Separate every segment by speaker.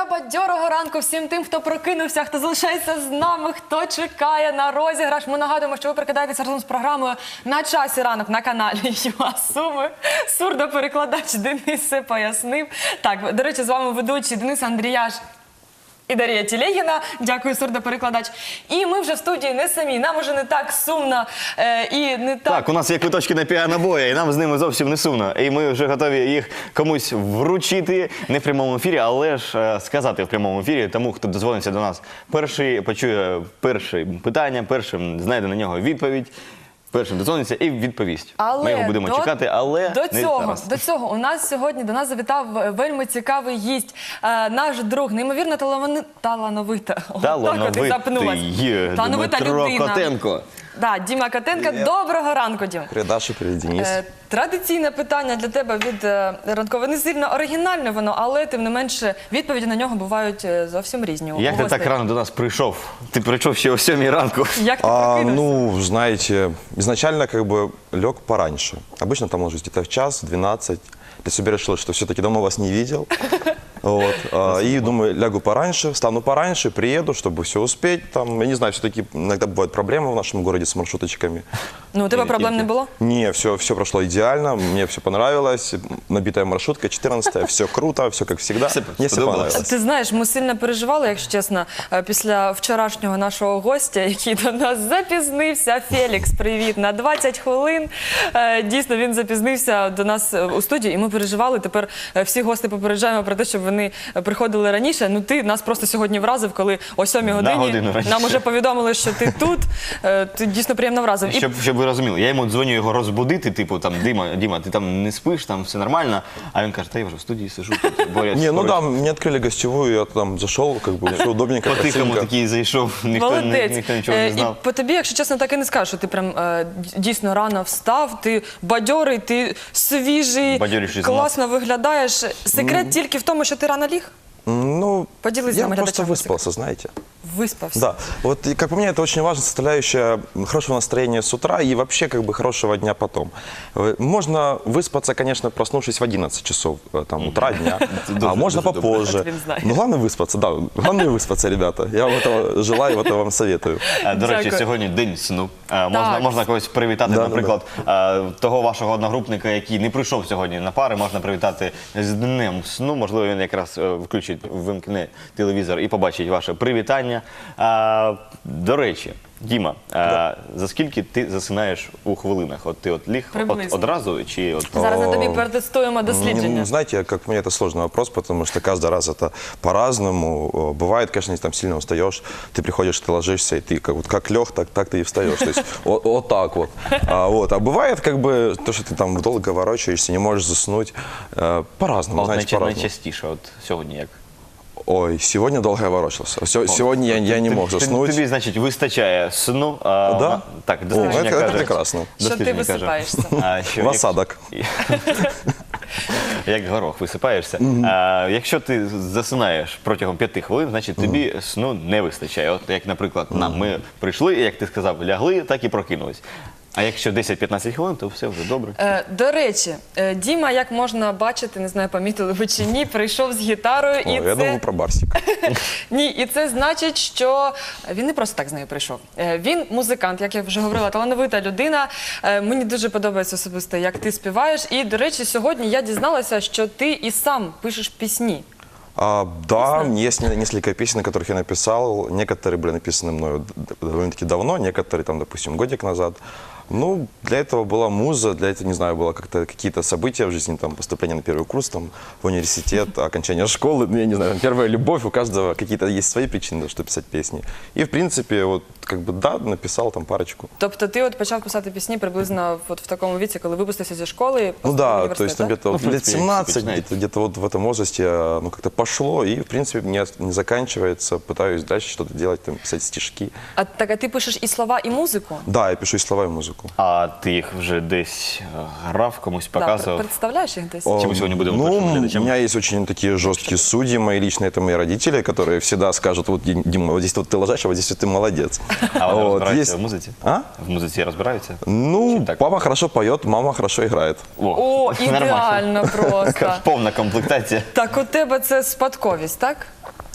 Speaker 1: та бадьорого ранку всім тим, хто прокинувся, хто залишається з нами, хто чекає на розіграш. Ми нагадуємо, що ви прикидаєтеся разом з програмою «На часі ранок» на каналі ЮА Суми. Сурдоперекладач Денис все пояснив. Так, до речі, з вами ведучий Денис Андріяш і Дар'я Тілегіна. Дякую, сурдоперекладач. І ми вже в студії не самі. Нам уже не так сумно і не так...
Speaker 2: Так, у нас є квиточки на піанобої, і нам з ними зовсім не сумно. І ми вже готові їх комусь вручити, не в прямому ефірі, але ж сказати в прямому ефірі тому, хто дозвониться до нас перший, почує перше питання, першим знайде на нього відповідь. Першим дозвониться і відповість. Ми його будемо чекати, але
Speaker 1: до цього у нас сьогодні до нас завітав вельми цікавий гість, наш друг, неймовірно талановита
Speaker 2: Дмитро Котенко.
Speaker 1: Да, Діма Котенко. Доброго ранку, Дім.
Speaker 3: Привіт, Даша, привіт, Денис.
Speaker 1: Традиційне питання для тебе від ранкового. Не сильно оригінальне воно, але тим не менше відповіді на нього бувають зовсім різні.
Speaker 2: Як ти так рано до нас прийшов? Ти прийшов ще о 7 ранку.
Speaker 1: Як ти прокинувся?
Speaker 3: Ну, знаете, изначально как бы лег пораньше. Обычно там ложусь где-то в час, в 12. Для себя решил, что все-таки давно вас не видел. Вот. И думаю, лягу пораньше, встану пораньше, приеду, чтобы все успеть. Там, я не знаю, все-таки иногда бывают проблемы в нашем городе с маршруточками.
Speaker 1: Ну, у тебе проблем не было?
Speaker 3: Не, все прошло идеально, мне все понравилось. Набитая маршрутка, 14-я, все круто, все как всегда. Мне все понравилось.
Speaker 1: Ти знаєш, ми сильно переживали, якщо чесно, після вчорашнього нашого гостя, який до нас запізнився. Фелікс, привіт, на 20 хвилин. Дійсно, він запізнився до нас у студії, і ми переживали. Тепер всі гості попереджаємо про те, щоб вони приходили раніше. Ну, ти нас просто сьогодні вразив, коли о 7 годині нам уже повідомили, що ти тут. Ти дійсно приємно вразив.
Speaker 2: Щоб ви розуміли, я йому дзвоню його розбудити, типу, там, Діма, ти там не спиш, там все нормально. А він каже, та я вже в студії сижу, борюсь.
Speaker 3: Не, ну да, мне открыли гостевую, я там зашел, как бы все удобненько,
Speaker 2: По-тихому
Speaker 3: красивенько.
Speaker 2: такий зайшов, ніхто нічого не знав.
Speaker 1: І по тобі, якщо чесно, так і не скажу, що ти прям дійсно рано встав, ти бадьорий, ти свіжий, класно виглядаєш. Секрет тільки в тому, що ти рано ліг?
Speaker 3: Ну,
Speaker 1: Поделись
Speaker 3: я
Speaker 1: нам
Speaker 3: просто выспался, знаете.
Speaker 1: Выспался.
Speaker 3: Да, вот и, как по мне, это очень важная составляющая хорошего настроения с утра и вообще как бы хорошего дня потом. Можно выспаться, конечно, проснувшись в 11 часов там, утра, дня, а можно попозже. Но главное выспаться, да, главное выспаться, ребята. Я вам этого желаю, этого вам советую.
Speaker 2: До речі, сьогодні день сну. Можна когось привітати, наприклад, того вашого одногрупника, який не прийшов сьогодні на пари, можна привітати з днем сну. Можливо, він якраз вимкне телевізор і побачить ваше привітання. До речі, Діма, за скільки ти засинаєш у хвилинах? От ти ліг одразу чи от...
Speaker 1: Зараз на тобі протестуємо дослідження.
Speaker 3: Ну, знаете, как по мне, это сложный вопрос, потому что каждый раз это по-разному. Бывает, конечно, если там сильно устаешь, ты приходишь, ты ложишься, и ты как лег, так ты и встаешь. То есть вот так вот. А бывает, как бы, то, что ты там долго ворочаешься, не можешь заснуть. По-разному, знаете, по-разному.
Speaker 2: Найчастіше, от сьогодні як?
Speaker 3: Ой, сегодня долго я ворочался. Сегодня я не мог заснуть.
Speaker 2: Тобі, значить, вистачає сну.
Speaker 3: Да?
Speaker 2: Так, дослідження каже.
Speaker 3: Это прекрасно.
Speaker 1: Що ти висипаєшся?
Speaker 3: В осадок.
Speaker 2: Як горох висипаєшся. Якщо ти засинаєш протягом 5 хвилин, значить тобі сну не вистачає. От як, наприклад, ми прийшли, і, як ти сказав, лягли, так і прокинулись. А якщо 10-15 хвилин, то все вже добре.
Speaker 1: До речі, Діма, як можна бачити, не знаю, помітили ви чи ні, прийшов з гітарою.
Speaker 3: Я думаю про Барсик.
Speaker 1: Ні, і це значить, що він не просто так з нею прийшов. Він музикант, як я вже говорила, талановита людина. Мені дуже подобається особисто, як ти співаєш. І, до речі, сьогодні я дізналася, що ти і сам пишеш пісні.
Speaker 3: Да, есть несколько песен, которых я написал. Некоторые были написаны мною довольно-таки давно, некоторые, там, допустим, годик назад. Ну, для этого была муза, для этого, не знаю, было как-то какие-то события в жизни, там, поступление на первый курс, там, в университет, окончание школы, ну, я не знаю, там, первая любовь, у каждого какие-то есть свои причины, чтобы писать песни. И, в принципе, вот, как бы, да, написал там парочку.
Speaker 1: Тобто ти от почав писати пісні приблизно от в такому віці, коли випустився зі школи?
Speaker 3: Ну да, то есть где-то лет 17, где-то вот в этом возрасте, ну, как-то пошло, и, в принципе, не заканчивается, пытаюсь дальше что-то делать, там, писать стишки.
Speaker 1: А ти пишеш і слова, і музику?
Speaker 3: Да, я пишу и слова, и музыку.
Speaker 2: А ти їх вже десь грав, комусь показував?
Speaker 1: Представляєш їх десь?
Speaker 2: Чи ми сьогодні будемо
Speaker 3: Ну,
Speaker 2: першим
Speaker 3: у
Speaker 2: глядачам?
Speaker 3: меня есть очень такие жесткие судьи, мои личные, это мои родители, которые всегда скажут, вот, Дима, вот здесь вот ты ложишь, а вот здесь вот ты молодец.
Speaker 2: А вони
Speaker 3: Вот,
Speaker 2: розбираються
Speaker 3: есть-
Speaker 2: в музиці?
Speaker 3: А?
Speaker 2: В музиці розбираються?
Speaker 3: Ну,
Speaker 2: так?
Speaker 3: папа хорошо поет, мама хорошо играет.
Speaker 1: О, ідеально просто.
Speaker 2: Повна комплектація.
Speaker 1: Так у тебе це спадковість, так?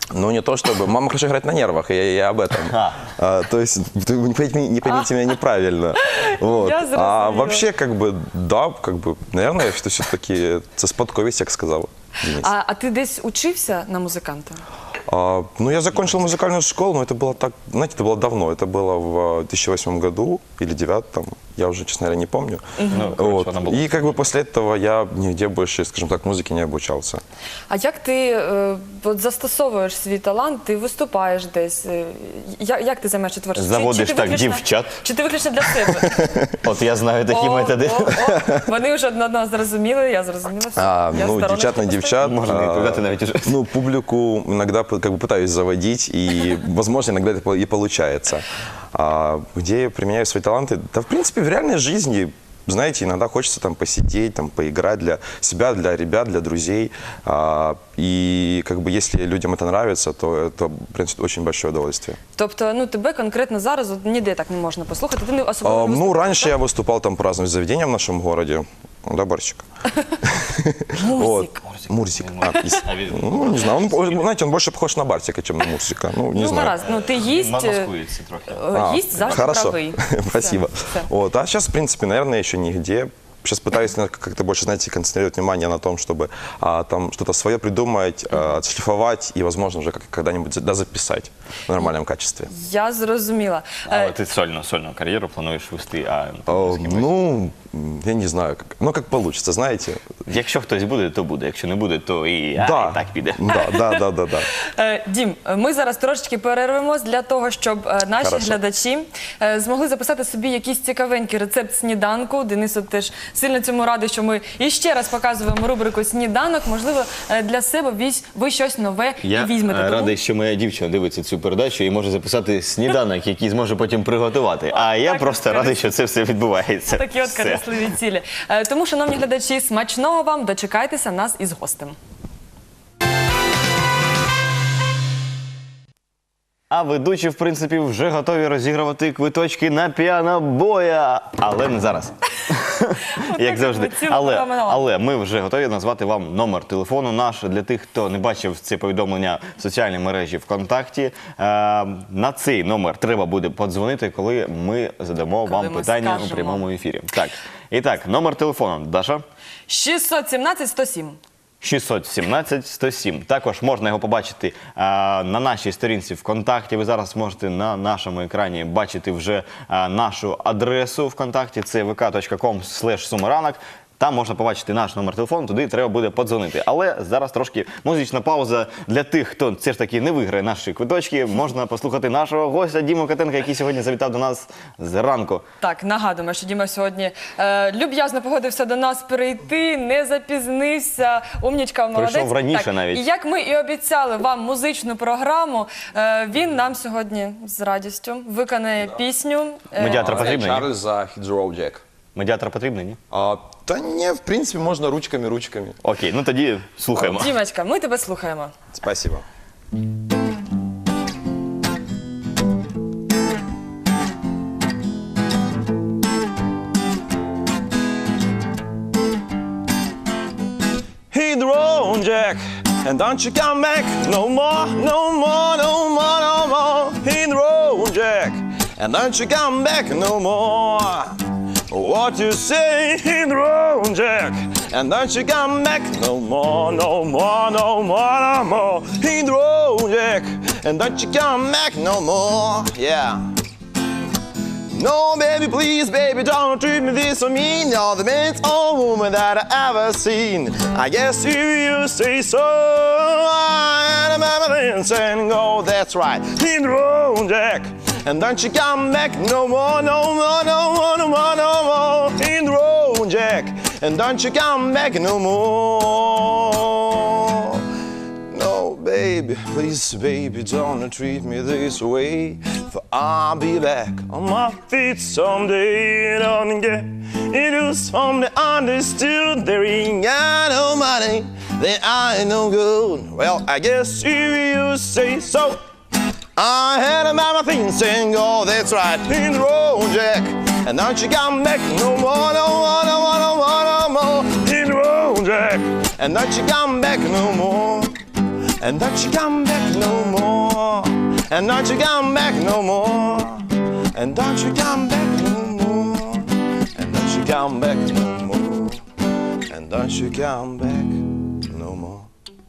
Speaker 3: Ну, не то чтобы. Мама хорошо играет на нервах, я об этом. То есть, вы не поймите меня неправильно. Вот.
Speaker 1: Я
Speaker 3: А
Speaker 1: зрозуміла.
Speaker 3: вообще, как бы, да, как бы, наверное, что все-таки це спадковість, як сказав Денис.
Speaker 1: А ти десь учився на музиканта?
Speaker 3: Ну, я закончил музыкальную школу, но это было так, знаете, это было давно. Это было в 2008 году или 2009, там, я уже, честно говоря, не помню.
Speaker 2: Ну, короче,
Speaker 3: Вот.
Speaker 2: она была.
Speaker 3: И как бы после этого я нигде больше, скажем так, музыке не обучался.
Speaker 1: А як ти от застосовуєш свій талант, ти виступаєш десь? Як ти займаєшся творчістю?
Speaker 2: Заводиш
Speaker 1: ти
Speaker 2: так
Speaker 1: виключно-
Speaker 2: дівчат?
Speaker 1: Чи ти виключно для себе?
Speaker 2: От я знаю такі методи.
Speaker 1: Вони вже одне одного зрозуміли, я зрозуміла. все. Я
Speaker 3: Ну,
Speaker 1: стороночку
Speaker 3: девчат на
Speaker 1: поставила.
Speaker 3: девчат.
Speaker 2: Можно не відповідати навіть уже.
Speaker 3: Ну, публику иногда как бы пытаюсь заводить, и, возможно, иногда это и получается. Где я применяю свои таланты? Да, в принципе, в реальной жизни, знаете, иногда хочется там посидеть, там, поиграть для себя, для ребят, для друзей. И как бы если людям это нравится, то это приносит очень большое удовольствие.
Speaker 1: Тобто, ну тебе конкретно зараз от, ніде так не можна послухати. Ти не особливо
Speaker 3: Ну,
Speaker 1: виступаєш,
Speaker 3: раньше
Speaker 1: так?
Speaker 3: я выступал там по разным заведениям в нашем городе. Да, Барсик?
Speaker 1: Мурзик.
Speaker 3: Мурзик. Ну, не знаю, он, знаете, он больше похож на Барсика, чем на Мурзика. Ну, не
Speaker 1: Ну,
Speaker 3: знаю.
Speaker 1: гаразд, ну ти їсть,
Speaker 2: Маскується трохи.
Speaker 1: їсть завжди
Speaker 3: Хорошо,
Speaker 1: правий.
Speaker 3: спасибо.
Speaker 1: Все.
Speaker 3: Вот. А сейчас, в принципе, наверное, еще нигде. Сейчас пытаюсь как-то больше, знаете, концентрировать внимание на том, чтобы там что-то свое придумать, отшлифовать и, возможно, уже когда-нибудь записать в нормальном качестве.
Speaker 1: Я зрозуміла.
Speaker 2: Але ти сольну кар'єру плануєш вести,
Speaker 3: Ну, я не знаю, как получится, знаете.
Speaker 2: якщо хтось буде, то буде. Якщо не буде, то і так піде.
Speaker 3: Да.
Speaker 1: Дім, ми зараз трошечки перервемось для того, щоб наші
Speaker 3: Хорошо.
Speaker 1: глядачі змогли записати собі якийсь цікавенький рецепт сніданку. Денис от теж сильно цьому радий, що ми іще раз показуємо рубрику «Сніданок». Можливо, для себе ви щось нове
Speaker 2: Я
Speaker 1: візьмете. Тому-
Speaker 2: радий, що моя дівчина дивиться цю передачу і може записати сніданок, який зможе потім приготувати. А я
Speaker 1: Так,
Speaker 2: просто радий, що це все відбувається.
Speaker 1: Такі от
Speaker 2: Все.
Speaker 1: корисливі цілі. Тому, шановні глядачі, смачного вам, дочекайтеся нас із гостем.
Speaker 2: А ведучі, в принципі, вже готові розігрувати квиточки на піанобоя. Але не зараз. Як завжди. Але ми вже готові назвати вам номер телефону наш. Для тих, хто не бачив це повідомлення в соціальній мережі ВКонтакті. На цей номер треба буде подзвонити, коли ми задамо вам
Speaker 1: ми
Speaker 2: питання
Speaker 1: скажемо.
Speaker 2: у прямому ефірі. Так. І так, номер телефону. Даша?
Speaker 1: 617-107.
Speaker 2: 617-107. Також можна його побачити на нашій сторінці ВКонтакті. Ви зараз можете на нашому екрані бачити вже нашу адресу ВКонтакті. Це vk.com/sumaranok. Там можна побачити наш номер телефону, туди треба буде подзвонити. Але зараз трошки музична пауза для тих, хто все ж таки не виграє наші квиточки. Можна послухати нашого гостя Діму Котенка, який сьогодні завітав до нас зранку.
Speaker 1: Так, нагадуємо, що Діма сьогодні люб'язно погодився до нас прийти, не запізнився, умнічка, молодець.
Speaker 2: Прийшов раніше
Speaker 1: Так,
Speaker 2: навіть.
Speaker 1: І як ми і обіцяли вам музичну програму, він нам сьогодні з радістю виконає пісню.
Speaker 2: Медіатор потрібний? ні?
Speaker 3: Чарльза Hydro Jack.
Speaker 2: Медіатор потрібний, ні?
Speaker 3: Да не, в принципе, можно ручками.
Speaker 2: Окей, ну тоді слухаємо.
Speaker 1: Дімочка, ми тебе слухаємо.
Speaker 3: Спасибо. Hydro Jack, and don't you come back no more. Hydro Jack, and don't you come back no more. What you say, Hydro Jack, and don't you come back no more. Hydro Jack, and don't you come back no more. Yeah. No, baby, please, baby, don't treat me this so mean. You're the best old woman that I ever seen. I guess you say so. I remember this and go, that's right. Hydro Jack, and don't you come back no more. Hydro Jack, and don't you come back no more. No, baby, please, baby, don't treat me this way. For I'll be back on my feet someday. Don't get it is from the understood. There ain't got no money, then I ain't no good. Well, I guess you say so. I had about my things and go, that's right, Hydro Jack. And don't you come back no more. Hydro Jack, and don't you come back no more. And don't you come back no more. And don't you come back no more. And don't you come back no more. And don't you come back no more. And don't you come back no more.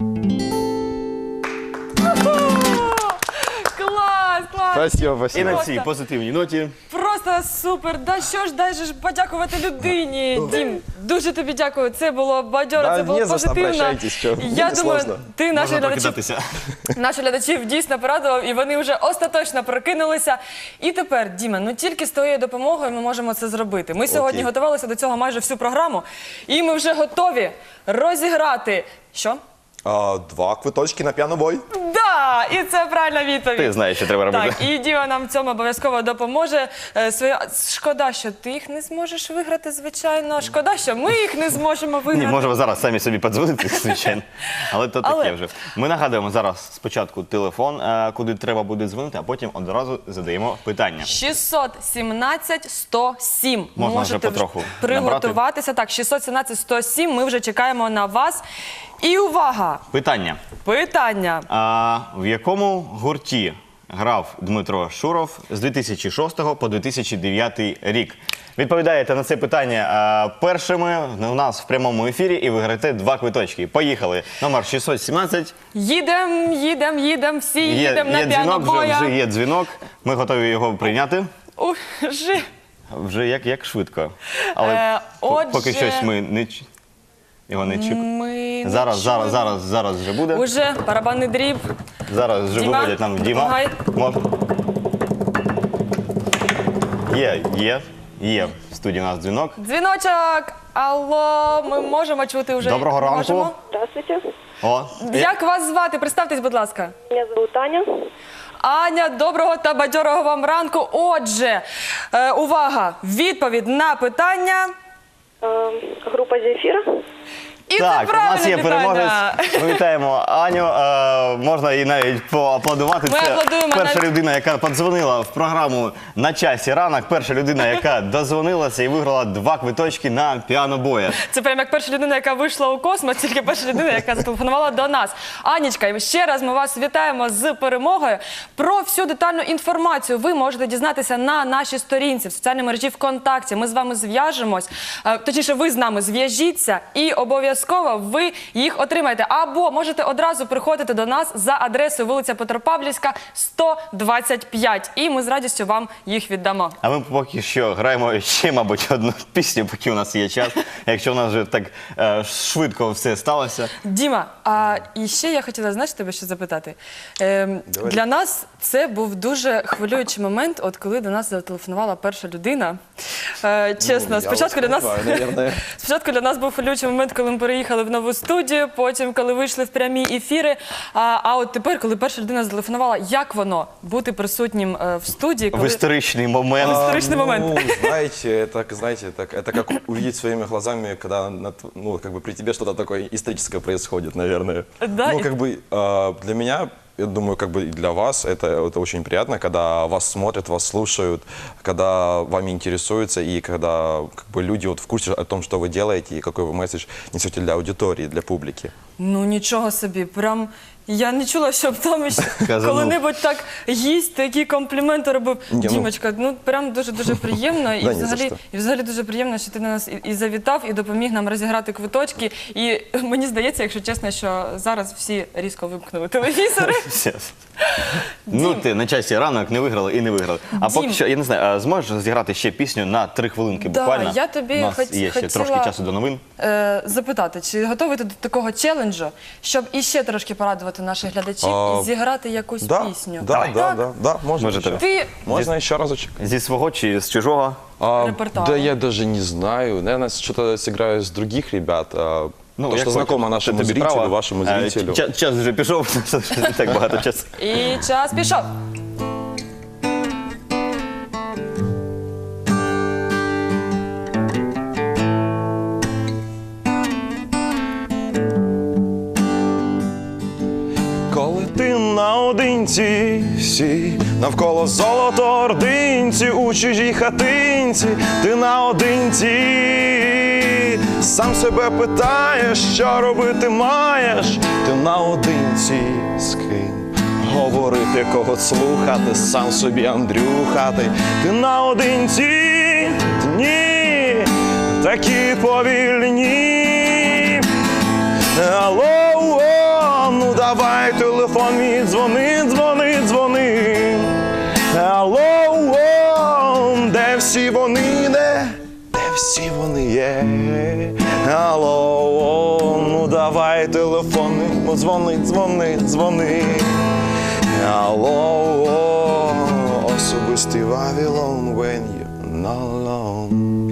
Speaker 1: Клас, клас!
Speaker 3: Спасибо,
Speaker 2: І
Speaker 3: спасибо.
Speaker 2: на цій позитивній ноті.
Speaker 1: Просто супер! Да що ж, дай же ж подякувати людині. Дім, дуже тобі дякую. Це було бадьоро,
Speaker 3: Да,
Speaker 1: це було
Speaker 3: не за що,
Speaker 1: позитивно.
Speaker 3: обращайтесь, що,
Speaker 1: Я
Speaker 3: не
Speaker 1: думаю,
Speaker 3: сложно.
Speaker 1: ти наших
Speaker 2: Можна
Speaker 1: глядачів,
Speaker 2: прокидатися.
Speaker 1: наших глядачів дійсно порадував, і вони вже остаточно прокинулися. І тепер, Діма, ну тільки з твоєю допомогою ми можемо це зробити. Ми сьогодні готувалися до цього майже всю програму, і ми вже готові розіграти. Що?
Speaker 3: 2 квиточки на піанобой.
Speaker 1: Да! І це правильна відповідь.
Speaker 2: Ти знаєш, що треба робити.
Speaker 1: Так, і Діма нам в цьому обов'язково допоможе. Шкода, що ти їх не зможеш виграти, звичайно. Шкода, що ми їх не зможемо виграти.
Speaker 2: Ні, можемо зараз самі собі подзвонити, звичайно. Але то таке вже. Ми нагадуємо зараз спочатку телефон, куди треба буде дзвонити, а потім одразу задаємо питання.
Speaker 1: 617-107.
Speaker 2: Можна вже
Speaker 1: Можете
Speaker 2: потроху
Speaker 1: приготуватися. Так, 617-107. Ми вже чекаємо на вас. І увага!
Speaker 2: Питання.
Speaker 1: Питання.
Speaker 2: В якому гурті грав Дмитро Шуров з 2006 по 2009 рік? Відповідаєте на це питання першими у нас в прямому ефірі і виграєте 2 квиточки. Поїхали. Номер 617.
Speaker 1: Їдем, всі їдемо на
Speaker 2: Є дзвінок,
Speaker 1: піанобоя.
Speaker 2: вже є дзвінок. Ми готові його прийняти.
Speaker 1: Уже.
Speaker 2: Вже як швидко. Але
Speaker 1: отже,
Speaker 2: поки щось ми не його не чекаємо.
Speaker 1: Ми не
Speaker 2: Зараз вже буде.
Speaker 1: Уже барабанний дріб.
Speaker 2: Зараз вже
Speaker 1: Діма,
Speaker 2: виводять нам Діма.
Speaker 1: допомагай.
Speaker 2: Є в студії у нас дзвінок.
Speaker 1: Дзвіночок. Алло, ми можемо чути вже.
Speaker 2: Доброго ранку.
Speaker 1: Можемо?
Speaker 4: Здравствуйте,
Speaker 2: О,
Speaker 1: Як вас звати? Представтесь, будь ласка.
Speaker 4: меня зовут Аня.
Speaker 1: Аня, доброго та бадьорого вам ранку. Отже, увага, відповідь на питання.
Speaker 4: Группа «Земфира».
Speaker 1: І
Speaker 2: так,
Speaker 1: це
Speaker 2: у
Speaker 1: правильне
Speaker 2: нас є
Speaker 1: питання.
Speaker 2: переможець. Ми вітаємо Аню. Можна їй навіть поаплодувати.
Speaker 1: Ми аплодуємо
Speaker 2: перша
Speaker 1: навіть.
Speaker 2: людина, яка подзвонила в програму «На часі ранок». Перша людина, яка дозвонилася і виграла 2 квиточки на піанобоя.
Speaker 1: Це прямо як перша людина, яка вийшла у космос, тільки перша людина, яка зателефонувала до нас. Анічка, ще раз ми вас вітаємо з перемогою. Про всю детальну інформацію ви можете дізнатися на нашій сторінці в соціальній мережі ВКонтакті. Ми з вами зв'яжемось, точніше, ви з нами зв'яжіться і обов'язково ви їх отримаєте. Або можете одразу приходити до нас за адресою вулиця Петропавлівська, 125. І ми з радістю вам їх віддамо.
Speaker 2: А ми поки що граємо ще, мабуть, одну пісню, поки у нас є час. Якщо у нас вже так швидко все сталося.
Speaker 1: Діма, і ще я хотіла, знаєш, тебе що запитати. Для нас це був дуже хвилюючий момент, от коли до нас зателефонувала перша людина. Чесно, спочатку для нас був хвилюючий момент, коли ми переїхали в нову студію, потім, коли вийшли в прямі ефіри. А от тепер, коли перша людина зателефонувала, як воно бути присутнім в студії,
Speaker 2: В
Speaker 1: коли...
Speaker 2: історичний момент.
Speaker 1: Историчный момент.
Speaker 3: Ну, знаете, это как увидеть своими глазами, когда при тебе что-то такое историческое происходит, наверное.
Speaker 1: Да,
Speaker 3: Ну,
Speaker 1: и-
Speaker 3: для меня, я думаю, и для вас это очень приятно, когда вас смотрят, вас слушают, когда вами интересуются, и когда люди в курсе о том, что вы делаете, и какой вы месседж несете для аудитории, для публики.
Speaker 1: Ну, нічого собі, прям... Я не чула, щоб там ще
Speaker 2: Казанув.
Speaker 1: коли-небудь так гість такі компліменти робив.
Speaker 3: Ні, ну.
Speaker 1: Дімочка, ну прям дуже-дуже приємно.
Speaker 3: Да, ні за що.
Speaker 1: І взагалі дуже приємно, що ти на нас і завітав, і допоміг нам розіграти квиточки. І мені здається, якщо чесно, що зараз всі різко вимкнули телевізори.
Speaker 2: Все. Ну, ти на часі ранок не виграли і не виграли. А поки
Speaker 1: Дім.
Speaker 2: що, я не знаю, зможеш зіграти ще пісню на 3 хвилинки
Speaker 1: Да,
Speaker 2: буквально?
Speaker 1: я тобі
Speaker 2: У нас є ще
Speaker 1: хотіла-
Speaker 2: трошки часу до новин.
Speaker 1: Запитати, чи готовий ти до такого челенджу, щоб іще трошки порадувати наших глядачів і зіграти якусь пісню?
Speaker 3: Да, можно
Speaker 2: Можете.
Speaker 3: еще.
Speaker 1: Ти
Speaker 3: Можно еще разочек?
Speaker 2: Зі свого чи з чужого?
Speaker 1: Репертуар.
Speaker 3: Да я даже не знаю. Наверное, что-то сыграю с других ребят. То,
Speaker 2: як
Speaker 3: что знакомо
Speaker 2: хочеш.
Speaker 3: нашему
Speaker 2: Це тобі
Speaker 3: зрителю,
Speaker 2: право.
Speaker 3: вашему зрителю.
Speaker 2: Час вже пішов, не так багато часу.
Speaker 1: І час пішов.
Speaker 3: Коли ти наодинці, всі навколо золото ординці, у чужій хатинці, ти наодинці, сам себе питаєш, що робити маєш, ти наодинці з ким говорити, кого слухати, сам собі Андрюхати, ти наодинці, дні такі повільні. Алло, ну давай телефон мій, дзвони, дзвони, дзвони. Алло, де всі вони, де всі вони є? Алло, ну давай телефон, дзвони, дзвони, дзвони. Алло, особистий Вавилон, when you're not alone.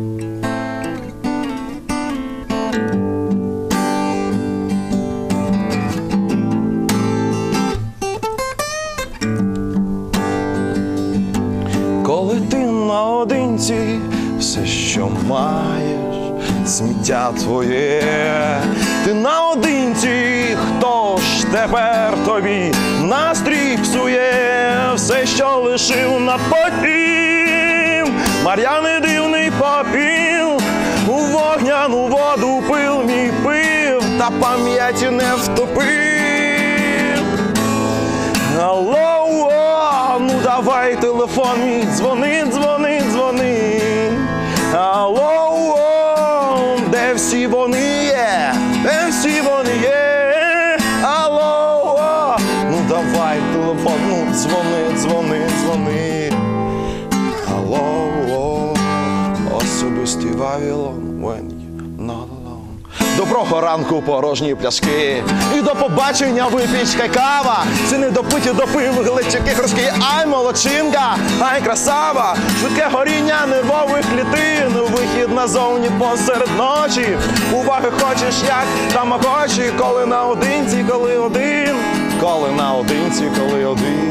Speaker 3: Коли ти наодинці, все, що маєш, сміття твоє, ти наодинці, хто ж тепер тобі настрій псує, все, що лишив на потім, мар'яний дивний попіл, у вогняну воду пил мій пив, та пам'яті не втопив. Алло, ну давай телефон мій, дзвони, дзвони, дзвони. Алло, де всі вони є, де всі вони є. Алло, ну давай телефон, ну дзвони, дзвони, дзвони. Алло, особистий Вавилон, when you're not alone. Доброго ранку, порожні пляшки, і до побачення випічка кава. Це не допиті допив, глечики грошки, ай молодчинка, ай красава. Швидке горіння нервових клітин, вихід назовні посеред ночі. Уваги хочеш, як тамагочі, коли наодинці, коли один, коли наодинці, коли один.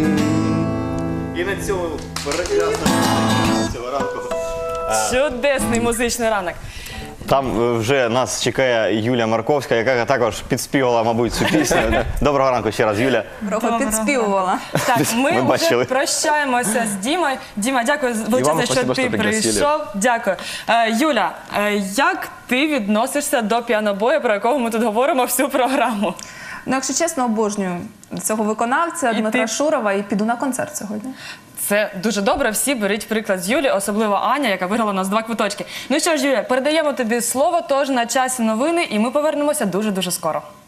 Speaker 2: І на цьому прекрасному цього ранку.
Speaker 1: Чудесний музичний ранок.
Speaker 2: Там вже нас чекає Юля Марковська, яка також підспівала, мабуть, цю пісню. Доброго ранку ще раз, Юля.
Speaker 5: Трохи підспівувала.
Speaker 1: Так, ми вже
Speaker 2: бачили.
Speaker 1: прощаємося з Дімою. Діма, дякую величезно, що
Speaker 3: спасибо,
Speaker 1: ти
Speaker 3: що пригласили.
Speaker 1: прийшов. Дякую. Юля, як ти відносишся до піанобою, про якого ми тут говоримо всю програму?
Speaker 5: Ну, якщо чесно, обожнюю цього виконавця Дмитра
Speaker 1: ти?
Speaker 5: Шурова і піду на концерт сьогодні.
Speaker 1: Це дуже добре. Всі беріть приклад з Юлі, особливо Аня, яка виграла у нас 2 квиточки. Ну що ж, Юля, передаємо тобі слово, тож на часі новини, і ми повернемося дуже-дуже скоро.